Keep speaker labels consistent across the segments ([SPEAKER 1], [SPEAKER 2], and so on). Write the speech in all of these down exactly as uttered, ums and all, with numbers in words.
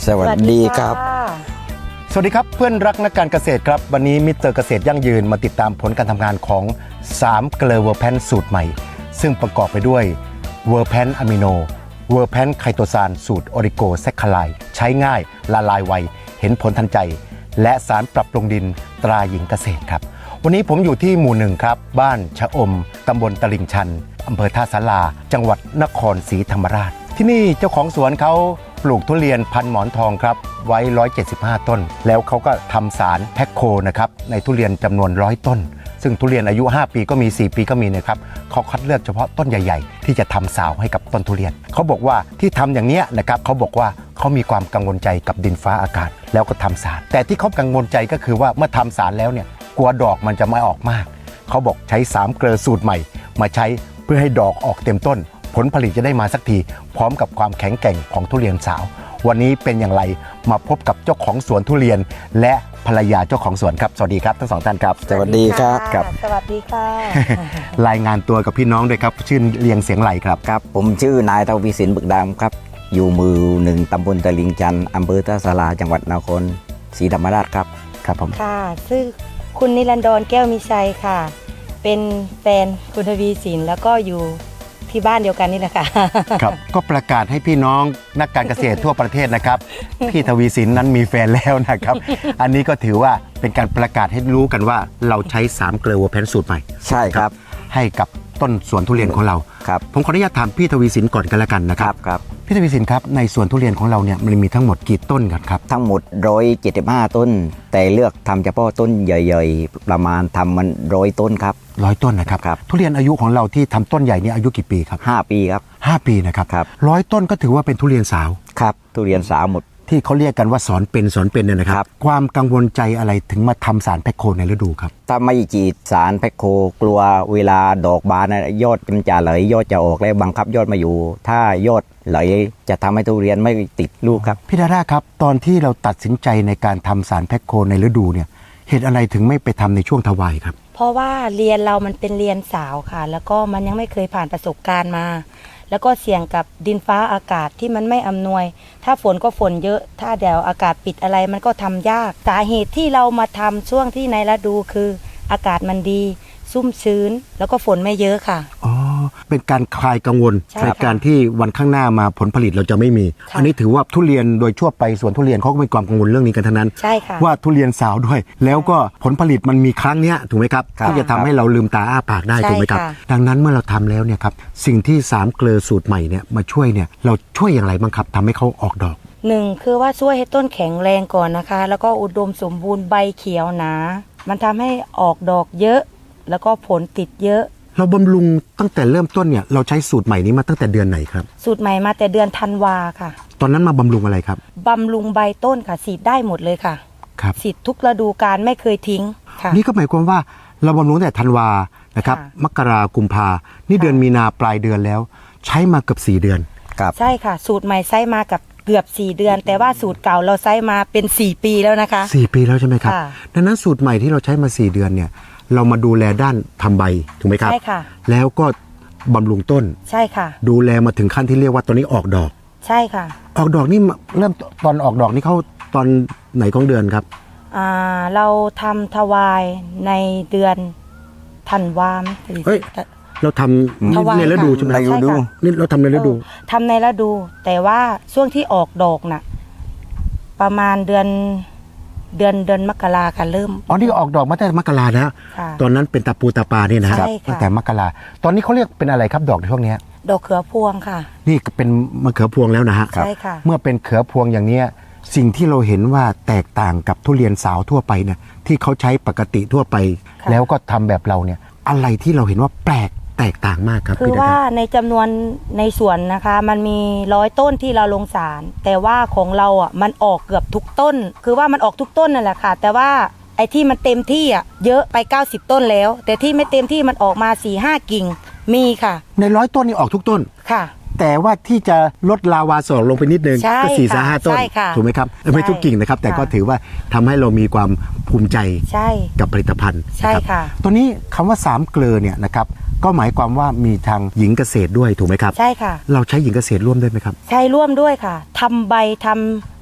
[SPEAKER 1] สวัสดีครับ
[SPEAKER 2] สวัสดีครับเพื่อนรักนักการเกษตรครับวันนี้มิสเตอร์เกษตรยั่งยืนมาติดตามผลการทำงานของสามเกลือเวอร์แพนสูตรใหม่ซึ่งประกอบไปด้วยเวอร์แพนอะมิโนเวอร์แพนไคโตซานสูตรออริโกแซคคาไลใช้ง่ายละลายไวเห็นผลทันใจและสารปรับปรุงดินตราหญิงเกษตรครับวันนี้ผมอยู่ที่หมู่หนึ่งครับบ้านชะอมตำบลตลิ่งชันอำเภอท่าสาราจังหวัดนครศรีธรรมราชที่นี่เจ้าของสวนเขาปลูกทุเรียนพันหมอนทองครับไว้หนึ่งร้อยเจ็ดสิบห้าต้นแล้วเขาก็ทำสารแพ็คโคนะครับในทุเรียนจำนวนร้อยต้นซึ่งทุเรียนอายุห้าปีก็มีสี่ปีก็มีนะครับเขาคัดเลือกเฉพาะต้นใหญ่ๆที่จะทำสาวให้กับต้นทุเรียนเขาบอกว่าที่ทำอย่างนี้นะครับเขาบอกว่าเขามีความกังวลใจกับดินฟ้าอากาศแล้วก็ทำสารแต่ที่เขากังวลใจก็คือว่าเมื่อทำสารแล้วเนี่ยกลัวดอกมันจะไม่ออกมากเขาบอกใช้สามเกลือสูตรใหม่มาใช้เพื่อให้ดอกออกเต็มต้นผลผลิตจะได้มาสักทีพร้อมกับความแข็งแกร่งของทุเรียนสาววันนี้เป็นอย่างไรมาพบกับเจ้าของสวนทุเรียนและภรรยาเจ้าของสวนครับสวัสดีครับทั้งสองท่านครับ
[SPEAKER 1] สวัสดีครับ
[SPEAKER 3] ครับสวัสดีค่ะ
[SPEAKER 2] รายงานตัวกับพี่น้องด้วยครับชื่อเรียงเสียงไหลครับ
[SPEAKER 1] ครับผมชื่อนายทวีสินบึกดำครับอยู่หมู่หนึ่งตำบลตลิ่งชันอำเภอท่าสาราจังหวัดนครศรีธรรมราชครับ
[SPEAKER 2] ครับผม
[SPEAKER 3] ค่ะชื่อคุณนิรันดรแก้วมีชัยค่ะเป็นแฟนคุณทวีสินแล้วก็อยู่ที่บ้านเดียวกันนี่แหละค่ะ
[SPEAKER 2] ครับก็ประกาศให้พี่น้องนักการเกษตรทั่วประเทศนะครับพี่ทวีสินนั้นมีแฟนแล้วนะครับอันนี้ก็ถือว่าเป็นการประกาศให้รู้กันว่าเราใช้สามเกลือเวอร์แพนสูตรใหม่
[SPEAKER 1] ใช่ครับ
[SPEAKER 2] ให้กับต้นสวนทุเรียนของเรา
[SPEAKER 1] ครับ
[SPEAKER 2] ผมขออนุญาตถามพี่ทวีสินก่อนกันแล้วกันนะครับ
[SPEAKER 1] ครับ
[SPEAKER 2] พี่ทวีสินครับในสวนทุเรียนของเราเนี่ยมันมีทั้งหมดกี่ต้นกันครับ
[SPEAKER 1] ทั้งหมดหนึ่งร้อยเจ็ดสิบห้าต้นแต่เลือกทำเฉพาะต้นใหญ่ๆประมาณทำมันร้อยต้นครับ
[SPEAKER 2] ร้อยต้นนะครับ
[SPEAKER 1] ครับ
[SPEAKER 2] ทุเรียนอายุของเราที่ทำต้นใหญ่นี่อายุกี่ปีครับ
[SPEAKER 1] ห้าปีครับ
[SPEAKER 2] ห้าปีนะครับ
[SPEAKER 1] ครับ
[SPEAKER 2] ร้อยต้นก็ถือว่าเป็นทุเรียนสาว
[SPEAKER 1] ครับทุเรียนสาวหมด
[SPEAKER 2] ที่เขาเรียกกันว่าสอนเป็นสอนเป็นเนี่ยนะครับความกังวลใจอะไรถึงมาทำสารแพ็คโคในฤดูครับ
[SPEAKER 1] ถ้าไม่ฉีดสารแพ็คโคกลัวเวลาดอกบานยอดมันจะไหลยอดจะออกแล้วบังคับยอดมาอยู่ถ้ายอดไหลจะทำให้ทุเรียนไม่ติดลูกครับ
[SPEAKER 2] พี่ดาด้าครับตอนที่เราตัดสินใจในการทำสารแพ็คโคในฤดูเนี่ยเหตุอะไรถึงไม่ไปทำในช่วงทวายครับ
[SPEAKER 3] เพราะว่าเรียนเรามันเป็นเรียนสาวค่ะแล้วก็มันยังไม่เคยผ่านประสบการณ์มาแล้วก็เสี่ยงกับดินฟ้าอากาศที่มันไม่อำนวยถ้าฝนก็ฝนเยอะถ้าเดี๋ยวอากาศปิดอะไรมันก็ทำยากสาเหตุที่เรามาทำช่วงที่ในฤดูคืออากาศมันดีซุ่มชื้นแล้วก็ฝนไม่เยอะค่ะ
[SPEAKER 2] อ๋อเป็นการคลายกังวลในการที่วันข้างหน้ามาผลผลิตเราจะไม่มีอันนี้ถือว่าทุเรียนโดยทั่วไปสวนทุเรียนเขาก็มีความกังวลเรื่องนี้กันทั้งนั้น
[SPEAKER 3] ใช่ค่ะ
[SPEAKER 2] ว่าทุเรียนสาวด้วยแล้วก็ผลผลิตมันมีครั้งเนี้ยถูกไหมครับที่จะทำให้เราลืมตาอ้าปากได้ถูกไหมครับดังนั้นเมื่อเราทำแล้วเนี่ยครับสิ่งที่สามเกลือสูตรใหม่เนี่ยมาช่วยเนี่ยเราช่วยอย่างไรบ้างครับทำให้เขาออกดอก
[SPEAKER 3] หนึ่งคือว่าช่วยให้ต้นแข็งแรงก่อนนะคะแล้วก็อุดมสมบูรณ์ใบเขียวหนามันทำให้ออกดอกเยอะแล้วก็ผลติดเยอะ
[SPEAKER 2] เราบำรุงตั้งแต่เริ่มต้นเนี่ยเราใช้สูตรใหม่นี้มาตั้งแต่เดือนไหนครับ
[SPEAKER 3] สูตรใหม่มาแต่เดือนธันวาค่ะ
[SPEAKER 2] ตอนนั้นมาบำรุงอะไรครับ
[SPEAKER 3] บำรุงใบต้นค่ะฉีดได้หมดเลยค่ะ
[SPEAKER 2] ครับ
[SPEAKER 3] ฉีดทุกฤดูกาลไม่เคยทิ้งค่ะ
[SPEAKER 2] นี่ก็หมายความว่าเราบำรุงแต่ธันวานะครับมกรากุมภานี่เดือนมีนาปลายเดือนแล้วใช้มาเกือบสี่เดือน
[SPEAKER 1] ครับ
[SPEAKER 3] ใช่ค่ะสูตรใหม่ใช้มากับเกือบสี่เดือนแต่ว่าสูตรเก่าเราใช้มาเป็นสี่ปีแล้วนะคะ
[SPEAKER 2] สี่ปีแล้วใช่ไหมครับดังนั้นสูตรใหม่ที่เราใช้มาสี่เดือนเนี่ยเรามาดูแลด้านทำใบถูกไหมครับ
[SPEAKER 3] ใช่ค่ะ
[SPEAKER 2] แล้วก็บำรุงต้น
[SPEAKER 3] ใช่ค่ะ
[SPEAKER 2] ดูแลมาถึงขั้นที่เรียกว่าตอนนี้ออกดอก
[SPEAKER 3] ใช่ค่ะ
[SPEAKER 2] ออกดอกนี่เริ่มตอนออกดอกนี่เขาตอนไหนของเดือนครับ
[SPEAKER 3] อ่าเราทำถวายในเดือนธันวาคม
[SPEAKER 2] เฮ้ยเราทำในฤดูใช่ไหม
[SPEAKER 1] ในฤดู
[SPEAKER 2] นี่เราทำในฤดู
[SPEAKER 3] ทำในฤดูแต่ว่าช่วงที่ออกดอกน่ะประมาณเดือนเดือนเดือนมกราค่ะเริ่ม
[SPEAKER 2] อ๋อนี่ออกดอกมาตั้งแต่มกราแล้วตอนนั้นเป็นตาปูตาปาเนี่ยนะครับตั้งแต่มกราตอนนี้เขาเรียกเป็นอะไรครับดอกในช่วงนี้
[SPEAKER 3] ดอกเขือพวงค่ะ
[SPEAKER 2] นี่เป็นมะเขือพวงแล้วนะฮะ
[SPEAKER 3] ใช่ค่ะ
[SPEAKER 2] เมื่อเป็นเขือพวงอย่างนี้สิ่งที่เราเห็นว่าแตกต่างกับทุเรียนสาวทั่วไปเนี่ยที่เขาใช้ปกติทั่วไปแล้วก็ทำแบบเราเนี่ยอะไรที่เราเห็นว่าแปลกแตกต่างมากครับ
[SPEAKER 3] คือว่าในจำนวนในสวนนะคะมันมีร้อยต้นที่เราลงสารแต่ว่าของเราอ่ะมันออกเกือบทุกต้นคือว่ามันออกทุกต้นนั่นแหละค่ะแต่ว่าไอ้ที่มันเต็มที่อ่ะเยอะไปเก้าสิบต้นแล้วแต่ที่ไม่เต็มที่มันออกมา สี่ห้า กิ่งมีค่ะ
[SPEAKER 2] ในร้อยต้นนี่ออกทุกต้น
[SPEAKER 3] ค่ะ
[SPEAKER 2] แต่ว่าที่จะลดลาวาสอกลงไปนิดนึงก็สี่สห้าต้นถูกไหมครับไม่ทุกกิ่งนะครับแต่ก็ถือว่าทำให้เรามีความภูมิใจกับผลิตภัณฑ์
[SPEAKER 3] ใช่ค่ะ
[SPEAKER 2] ตัวนี้คำว่าสามเกลือเนี่ยนะครับก็หมายความว่ามีทางหญิงเกษตรด้วยถูกไหมครับ
[SPEAKER 3] ใช่ค่ะ
[SPEAKER 2] เราใช้หญิงเกษตรร่วมด้วยไหมครับ
[SPEAKER 3] ใช้ร่วมด้วยค่ะทำใบทำ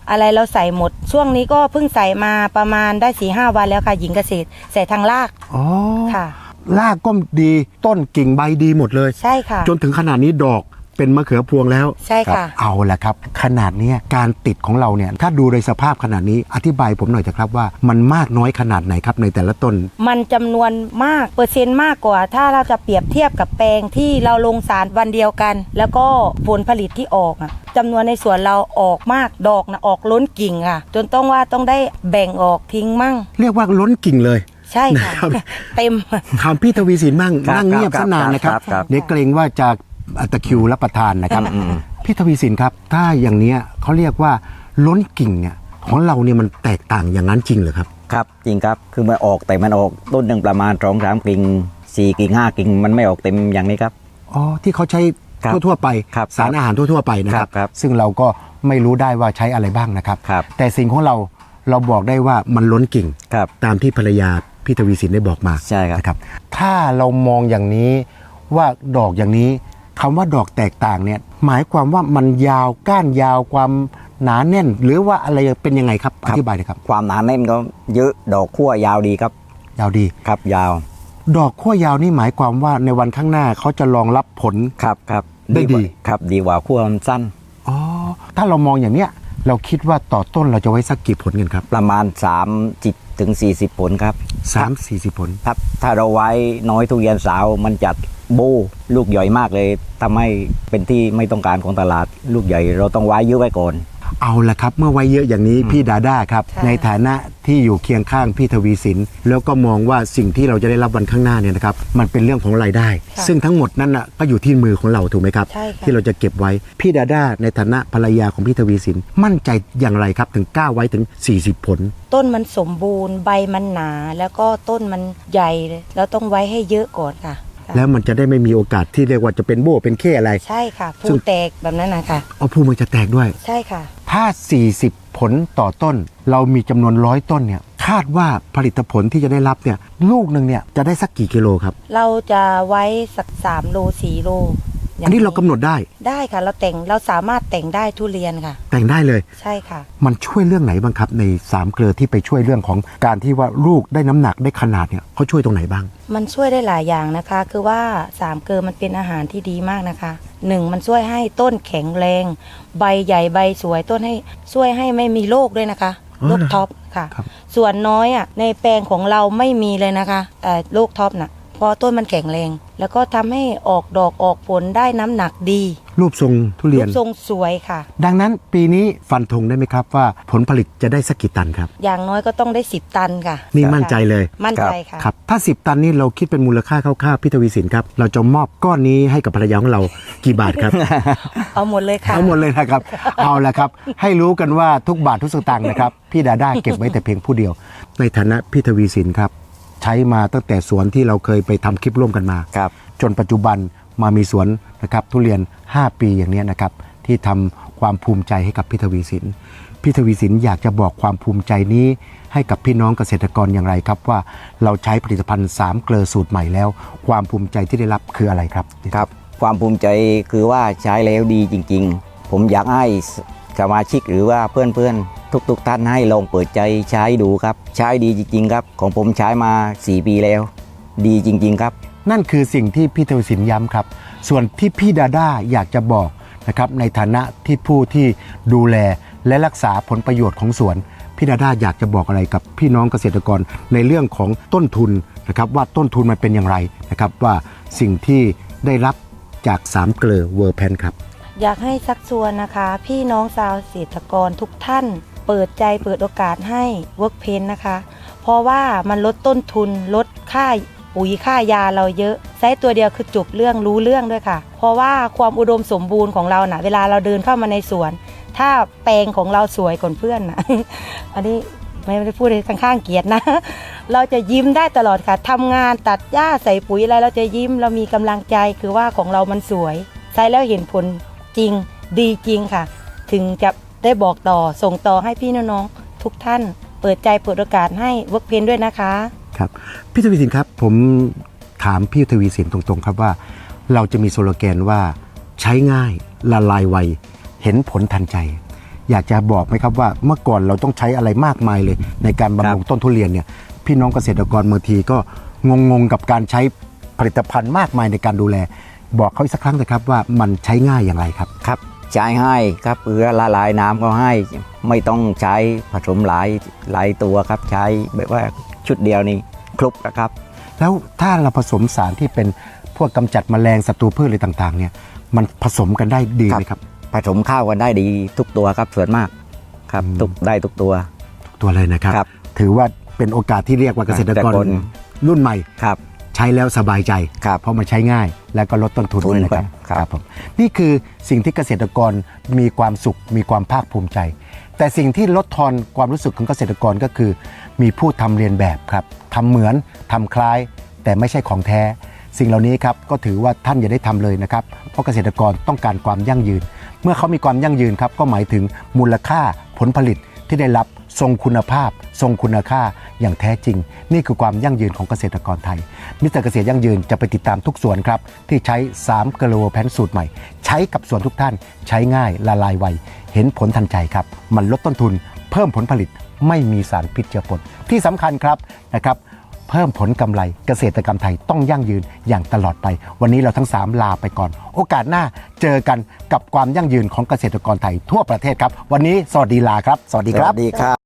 [SPEAKER 3] อะไรเราใส่หมด ช่วงนี้ก็เพิ่งใส่มาประมาณได้สี่ห้าวันแล้วค่ะหญิงเกษตรใส่ทางราก
[SPEAKER 2] อ๋อ
[SPEAKER 3] ค่ะ
[SPEAKER 2] รากก็ดีต้นกิ่งใบดีหมดเลย
[SPEAKER 3] ใช่ค่ะ
[SPEAKER 2] จนถึงขนาดนี้ดอกเป็นมะเขือพวงแล้ว
[SPEAKER 3] ใช่ค่ะ
[SPEAKER 2] รับเอาละครับ ขนาดเนี้ยการติดของเราเนี่ยถ้าดูโดยสภาพขนาดนี้อธิบายผมหน่อยเถอะครับว่ามันมากน้อยขนาดไหนครับในแต่ละต้น
[SPEAKER 3] มันจำนวนมากเปอร์เซ็นต์มากกว่า ถ้าเราจะเปรียบเทียบกับแปลงที่เราลงสารวันเดียวกัน แล้วก็ผลผลิตที่ออกอะจำนวนในสวนเราออกมากดอกนะออกล้นกิ่งค่ะ จนต้องว่าต้องได้แบ่งออกทิ้งมั่ง
[SPEAKER 2] เรียกว่าล้นกิ่งเลย
[SPEAKER 3] ใช่ค่ะ
[SPEAKER 2] นะครับ
[SPEAKER 3] เต็ม
[SPEAKER 2] ถามพี่ทวีสินบ้าง
[SPEAKER 1] ครับ
[SPEAKER 2] นั่งเงียบ
[SPEAKER 1] ครับ
[SPEAKER 2] ซะนานนะครับ
[SPEAKER 1] ครับครับ
[SPEAKER 2] เดี๋ยวเกรงว่าจะตะคริวรับประทานนะครับ
[SPEAKER 1] อืม
[SPEAKER 2] พี่ทวีสินครับ ถ้าอย่างเนี้ยเขาเรียกว่าล้นกิ่งเนี่ยของเราเนี่ยมันแตกต่างอย่างนั้นจริงเหรอครับ
[SPEAKER 1] ครับจริงครับคือมันออกแต่มันออกต้นหนึ่งประมาณสองสามกิ่งสี่กิ่งห้ากิ่งมันไม่ออกเต็มอย่างนี้ครับ
[SPEAKER 2] อ๋อที่เขาใช้
[SPEAKER 1] ครับ
[SPEAKER 2] ทั่วๆไป
[SPEAKER 1] ครับ
[SPEAKER 2] สารอาหารทั่วๆไปนะครับ
[SPEAKER 1] ครับ
[SPEAKER 2] ซึ่งเราก็ไม่รู้ได้ว่าใช้อะไรบ้างนะครับ
[SPEAKER 1] ครับ
[SPEAKER 2] แต่สิ่งของเราเราบอกได้ว่ามันล้นกิ่ง
[SPEAKER 1] ครับ
[SPEAKER 2] ตามที่ภรรยาพี่ทวีสินได้บอกมา
[SPEAKER 1] ใช่ครับ
[SPEAKER 2] นะครับ ถ้าเรามองอย่างนี้ว่าดอกอย่างนี้คำว่าดอกแตกต่างเนี่ยหมายความว่ามันยาวก้านยาวความหนาแน่น หรือว่าอะไรเป็นยังไงครับอธิบายเลยครับ
[SPEAKER 1] ความหนาแน่นก็เยอะดอกขั้วยาวดีครับ
[SPEAKER 2] ยาวดี
[SPEAKER 1] ครับยาว
[SPEAKER 2] ดอกขั้วยาวนี่หมายความว่าในวันข้างหน้าเขาจะรองรับผล
[SPEAKER 1] ครับครับ
[SPEAKER 2] ได้ดี
[SPEAKER 1] กว่าครับดีกว่าขั้วมันสั้น
[SPEAKER 2] อ๋อถ้าเรามองอย่างเนี้ยเราคิดว่าต่อต้นเราจะไว้สักกี่ผลกันครับ
[SPEAKER 1] ประมาณสามสิบถึงสี่สิบผลครับ
[SPEAKER 2] สามสี่สิบผล
[SPEAKER 1] ครับถ้าเราไว้น้อยทุเรียนสาวมันจัดโบลูกใหญ่มากเลยทำให้เป็นที่ไม่ต้องการของตลาดลูกใหญ่เราต้องไว้เยอะไว้ก่อน
[SPEAKER 2] เอาละครับเมื่อไว้เยอะอย่างนี้พี่ดาด้าครับ
[SPEAKER 3] ค่ะ
[SPEAKER 2] ในฐานะที่อยู่เคียงข้างพี่ทวีสินแล้วก็มองว่าสิ่งที่เราจะได้รับวันข้างหน้าเนี่ยนะครับมันเป็นเรื่องของรายได้
[SPEAKER 3] ค่ะ
[SPEAKER 2] ซึ่งทั้งหมดนั้นน่ะก็อยู่ที่มือของเราถูกไหมครับ
[SPEAKER 3] ใช่ค่ะ
[SPEAKER 2] ที่เราจะเก็บไว้พี่ดาด้าในฐานะภรรยาของพี่ทวีสินมั่นใจอย่างไรครับถึงกล้าไว้ถึงสี่สิบผล
[SPEAKER 3] ต้นมันสมบูรณ์ใบมันหนา แล้วก็ต้นมันใหญ่เลยแล้วต้องไว้ให้เยอะก่อนค่ะ
[SPEAKER 2] แล้วมันจะได้ไม่มีโอกาสที่เรียกว่าจะเป็นโบ้เป็นเข้อะไร
[SPEAKER 3] ใช่ค่ะ
[SPEAKER 2] ซึ่
[SPEAKER 3] ผู้
[SPEAKER 2] ง
[SPEAKER 3] แตกแบบนั้นนะคะ
[SPEAKER 2] เอาภูมันจะแตกด้วย
[SPEAKER 3] ใช่ค่ะ
[SPEAKER 2] ถ้า สี่สิบ ผลต่อต้น เรามีจำนวนร้อยต้นเนี่ยคาดว่าผลิตผลที่จะได้รับเนี่ยลูกหนึ่งเนี่ยจะได้สักกี่กิโลครับ
[SPEAKER 3] เราจะไว้สักสามโลสี่โลย่ง
[SPEAKER 2] อันนี้เรากำหนดได้
[SPEAKER 3] ได้ค่ะ เราแต่งเราสามารถแต่งได้ทุเรียนค่ะ
[SPEAKER 2] แต่งได้เลย
[SPEAKER 3] ใช่ค่ะ
[SPEAKER 2] มันช่วยเรื่องไหนบ้างครับในสามเกลือที่ไปช่วยเรื่องของการที่ว่าลูกได้น้ำหนักได้ขนาดเนี่ยเขาช่วยตรงไหนบ้าง
[SPEAKER 3] มันช่วยได้หลายอย่างนะคะ คือว่าสามเกลือมันเป็นอาหารที่ดีมากนะคะหนึ่งมันช่วยให้ต้นแข็งแรง ใบใหญ่ใบสวยต้นให้ช่วยให้ไม่มีโรคด้วยนะคะ
[SPEAKER 2] อ๋อ
[SPEAKER 3] โรค
[SPEAKER 2] เหรอ
[SPEAKER 3] ท็อปค่ะ
[SPEAKER 2] ครับ
[SPEAKER 3] ส่วนน้อยอ่ะในแปลงของเราไม่มีเลยนะคะเอ่อโรคท็อปน่ะเพราะต้นมันแข็งแรง แล้วก็ทำให้ออกดอกออกผลได้น้ำหนักดี
[SPEAKER 2] รูปทรงทุเรี
[SPEAKER 3] รู
[SPEAKER 2] ยน
[SPEAKER 3] ปทรงสวยค่ะ
[SPEAKER 2] ดังนั้นปีนี้ฟันธงได้ไหมครับว่าผลผลิตจะได้สักกี่ตันครับ
[SPEAKER 3] อย่างน้อยก็ต้องได้สิบตันค่ะ
[SPEAKER 2] นี่มั่นใจเลย
[SPEAKER 3] มั่นใจค่ะ
[SPEAKER 2] ครับถ้าสิบตันนี่เราคิดเป็นมูลค่าคร่าวๆพี่ทวีสินครับเราจะมอบก้อนนี้ให้กับภรรยาของเรากี่บาทครับ
[SPEAKER 3] เอาหมดเลยค่ะ
[SPEAKER 2] เอาหมดเลยนะครับ เอาละครับ ให้รู้กันว่าทุกบาททุกสตางค์นะครับ พี่ดาด้าเก็บไว้แต่เพียงผู้เดียว ในฐานะพี่ทวีสินครับ ใช้มาตั้งแต่สวนที่เราเคยไปทำคลิปร่วมกันมา
[SPEAKER 1] ครับ
[SPEAKER 2] จนปัจจุบันมามีสวนนะครับทุเรียน ห้า ปีอย่างนี้นะครับ ที่ทำความภูมิใจให้กับพี่ทวีสิน พี่ทวีสินอยากจะบอกความภูมิใจนี้ให้กับพี่น้องเกษตรกรอย่างไรครับว่าเราใช้ผลิตภัณฑ์สามเกลอสูตรใหม่แล้ว ความภูมิใจที่ได้รับคืออะไรครับ
[SPEAKER 1] ครับความภูมิใจคือว่าใช้แล้วดีจริงๆ ผมอยากให้สมาชิกหรือว่าเพื่อนๆ ทุกๆท่านให้ลองเปิดใจใช้ดูครับ ใช้ดีจริงๆครับ ของผมใช้มาสี่ปีแล้ว ดีจริงๆครับ
[SPEAKER 2] นั่นคือสิ่งที่พี่ทวีสินย้ำครับ ส่วนที่พี่ดาด้าอยากจะบอกนะครับในฐานะที่ผู้ที่ดูแลและรักษาผลประโยชน์ของสวน พี่ดาด้าอยากจะบอกอะไรกับพี่น้องเกษตรกรในเรื่องของต้นทุนนะครับว่าต้นทุนมันเป็นอย่างไรนะครับว่าสิ่งที่ได้รับจากสามเกลอเวอร์แพนครับ
[SPEAKER 3] อยากให้ซักชวนนะคะ พี่น้องชาวเกษตรกรทุกท่าน เปิดใจเปิดโอกาสให้เวิร์กเพนนะคะ เพราะว่ามันลดต้นทุนลดค่าปุ๋ยค่ายาเราเยอะใช้ตัวเดียวคือจบเรื่องรู้เรื่องด้วยค่ะ เพราะว่าความอุดมสมบูรณ์ของเรานะ่ะเวลาเราเดินเข้ามาในสวน ถ้าแปลงของเราสวยกว่าเพื่อนนะ อันนี้ไม่ได้พูดข้างๆเกียรตินะ เราจะยิ้มได้ตลอดค่ะทำงานตัดหญ้าใส่ปุ๋ยอะไรเราจะยิ้มเรามีกำลังใจคือว่าของเรามันสวยใช้แล้วเห็นผลจริงดีจริงค่ะ ถึงจะได้บอกต่อส่งต่อให้พี่น้องๆทุกท่าน เปิดใจเปิดโอกาสให้เวิร์กเพนด้วยนะคะ
[SPEAKER 2] ครับพี่ทวีสินครับผมถามพี่ทวีสินตรงๆครับว่าเราจะมีสโลแกนว่าใช้ง่ายละลายไวเห็นผลทันใจอยากจะบอกไหมครับว่าเมื่อก่อนเราต้องใช้อะไรมากมายเลย ในการบำรุงต้นทุเรียนเนี่ยพี่น้องเกษตรกรบางทีก็งงๆกับการใช้ผลิตภัณฑ์มากมายในการดูแล บอกเขาอีกสักครั้งนะครับว่ามันใช้ง่ายอย่างไรครับ
[SPEAKER 1] ครับใช้ให้ครับเพื่อละลายน้ำก็ให้ไม่ต้องใช้ผสมหลายหลายตัวครับใช้แบบว่าชุดเดียวนี่ครบนะครับ
[SPEAKER 2] แล้วถ้าเราผสมสารที่เป็นพวกกำจัดแมลงศัตรูพืชอะไรต่างๆเนี่ยมันผสมกันได้ดีไหมครับ
[SPEAKER 1] ผสมข้าวกันได้ดีทุกตัวครับส่วนมากครับทุกได้ทุกตัว
[SPEAKER 2] ตัวเลยนะครับ
[SPEAKER 1] ครับ
[SPEAKER 2] ถือว่าเป็นโอกาสที่เรียกว่าเกษตรกร
[SPEAKER 1] เกษตรกร
[SPEAKER 2] รุ่นใหม่
[SPEAKER 1] ครับ
[SPEAKER 2] ใช้แล้วสบายใจ
[SPEAKER 1] ครับ
[SPEAKER 2] เพราะมันใช้ง่ายและก็ลดต้นทุน
[SPEAKER 1] ทุน
[SPEAKER 2] ด้วยนะครับ
[SPEAKER 1] ครับ
[SPEAKER 2] ผมนี่คือสิ่งที่เกษตรกรมีความสุขมีความภาคภูมิใจ แต่สิ่งที่ลดทอนความรู้สึกของเกษตรกรก็คือ มีผู้ทำเรียนแบบครับทำเหมือนทำคล้าย แต่ไม่ใช่ของแท้ สิ่งเหล่านี้ครับก็ถือว่าท่านอย่าได้ทำเลยนะครับเพราะเกษตรกรต้องการความยั่งยืน เมื่อเขามีความยั่งยืนครับก็หมายถึงมูลค่าผลผลิตที่ได้รับทรงคุณภาพ ทรงคุณค่าอย่างแท้จริง นี่คือความยั่งยืนของเกษตรกรไทยมิสเตอร์เกษตรยั่งยืนจะไปติดตามทุกสวนครับที่ใช้สามเกลโวแพนสูตรใหม่ ใช้กับสวนทุกท่านใช้ง่ายละลายไวเห็นผลทันใจครับมันลดต้นทุน เพิ่มผลผลิตไม่มีสารพิษเจือปนที่สำคัญครับนะครับเพิ่มผลกำไรเกษตรกรรมไทยต้องยั่งยืนอย่างตลอดไปวันนี้เราทั้งสามลาไปก่อนโอกาสหน้าเจอกันกับความยั่งยืนของเกษตรกรไทยทั่วประเทศครับวันนี้สวัสดีลาครับสวัสดี
[SPEAKER 1] ส
[SPEAKER 2] ครั
[SPEAKER 1] วั
[SPEAKER 2] บ
[SPEAKER 1] สดีครับ